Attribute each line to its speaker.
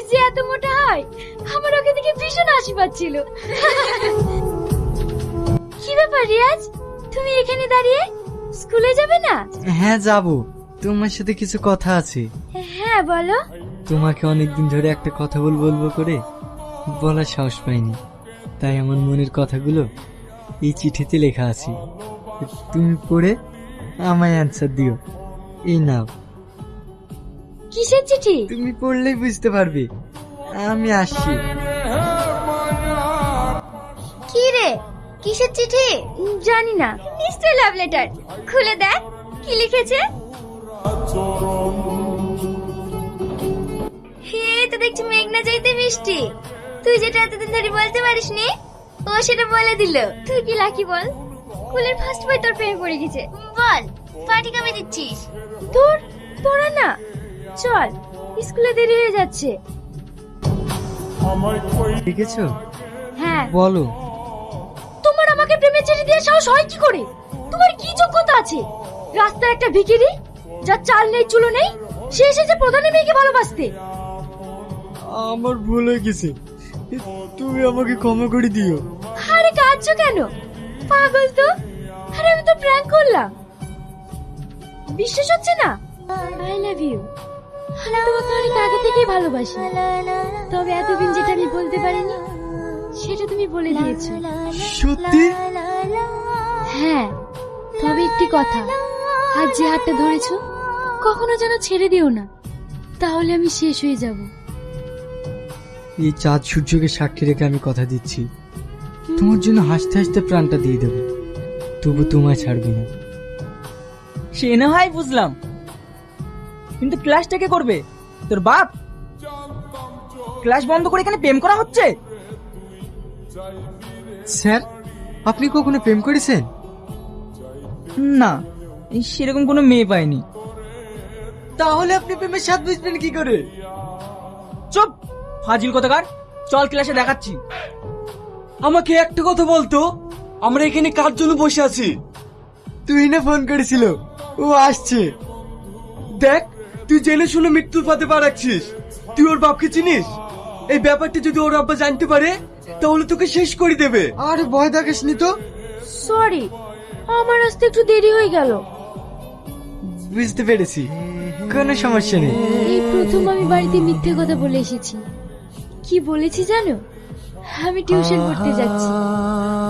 Speaker 1: যে এত মোটা হয়, আমার ওকে দেখে ভীষণ হাসি পাচ্ছিল। কি ব্যাপার রিয়াজ, তুমি এখানে দাঁড়িয়ে স্কুলে যাবে না?
Speaker 2: হ্যাঁ যাব, তোমার সাথে কিছু কথা আছে।
Speaker 1: হ্যাঁ বলো।
Speaker 2: তোমাকে অনেকদিন ধরে একটা কথা বলবো করে বলার সাহস পাইনি, তাই আমার মনের কথাগুলো এই চিঠিতে লেখা আছে। তুমি পড়ে আমায় অ্যান্সার দিও। এই নাও।
Speaker 1: কিসের চিঠি?
Speaker 2: তুমি পড়লেই বুঝতে পারবে। আমি আসছি।
Speaker 1: কি রে, কিসের চিঠি? জানি না, নিশ্চয় লাভ লেটার। খুলে দেখ কি লিখেছে। হে, তো দেখছি মেঘনা যাইতে বৃষ্টি। তুই যেটা এতদিন ধরে বলতে পারিসনি, ও সেটা বলে দিল। তুই কি লাকি বল, স্কুলের ফার্স্ট বয় তোর প্রেমে পড়ে গেছে। বল, পার্টি কবে দিচ্ছিস? তোরা না, চল, স্কুলে দেরি হয়ে যাচ্ছে।
Speaker 2: লিখেছো?
Speaker 1: হ্যাঁ।
Speaker 2: বলো।
Speaker 1: তোমার আমাকে প্রেমের চিঠি দিয়ে সাহস হয় কি করে? তোমার কি যোগ্যতা আছে? রাস্তায় একটা ভিখিরি, যার চাল নেই চুলো নেই, সে এসেছে প্রধানের মেয়েকে ভালোবাসতে।
Speaker 2: আমার ভুল হয়ে গেছে, তুমি আমাকে ক্ষমা করে দিও।
Speaker 1: আরে কাঁদছো কেন, পাগল তো? আরে আমি তো প্র্যাঙ্ক করলাম, বিশ্বাস হচ্ছে না? I love you. আমি তোমাকে অনেক আগে থেকেই ভালোবাসি, তবে এতদিন যেটা আমি বলতে পারিনি সেটা তুমি বলে দিয়েছো।
Speaker 2: সত্যি?
Speaker 1: হ্যাঁ, তবে একটি কথা, আজ যে হাতটা ধরেছো কখনো যেন ছেড়ে দিও না, তাহলে আমি শেষ হয়ে যাব।
Speaker 2: এই চাঁদ সূর্যকে সাক্ষী রেখে আমি কথা দিচ্ছি, তোমার জন্য হাসতে হাসতে প্রাণটা দিয়ে দেবো, তবু তোমায় ছাড়বো না।
Speaker 3: সে না হয় বুঝলাম, কিন্তু ক্লাসটা কে করবে? তোর বাপ? ক্লাস বন্ধ করে এখানে প্রেম করা হচ্ছে?
Speaker 2: স্যার, আপনি কখনো প্রেম করেছেন?
Speaker 3: না, সেরকম কোনো মেয়ে পাইনি।
Speaker 2: তাহলে আপনি প্রেমের স্বাদ বুঝবেন কি করে?
Speaker 3: চুপ, ফাজিল কোথাকার। চল ক্লাসে দেখাচ্ছি।
Speaker 4: আমাকে একটা কথা বলতো, আমরা এখানে কার জন্য বসে আছি?
Speaker 2: তুই না ফোন করেছিল, ও আসছে।
Speaker 4: দেখ, তুই জেনে শুনে মৃত্যুর পথে পা রাখছিস। তুই ওর বাপকে চিনিস? এই ব্যাপারটা যদি ওর আব্বা জানতে পারে তাহলে তোকে শেষ করে দেবে।
Speaker 2: আরে ভয় দেখাসনি তো।
Speaker 1: সরি, আমার আসতে একটু দেরি হয়ে গেল।
Speaker 2: বুঝতে পেরেছি, কোনো সমস্যা নেই।
Speaker 1: এই প্রথম আমি বাড়িতে মিথ্যে কথা বলে এসেছি। কি বলেছি জানো? আমি টিউশন পড়তে যাচ্ছি।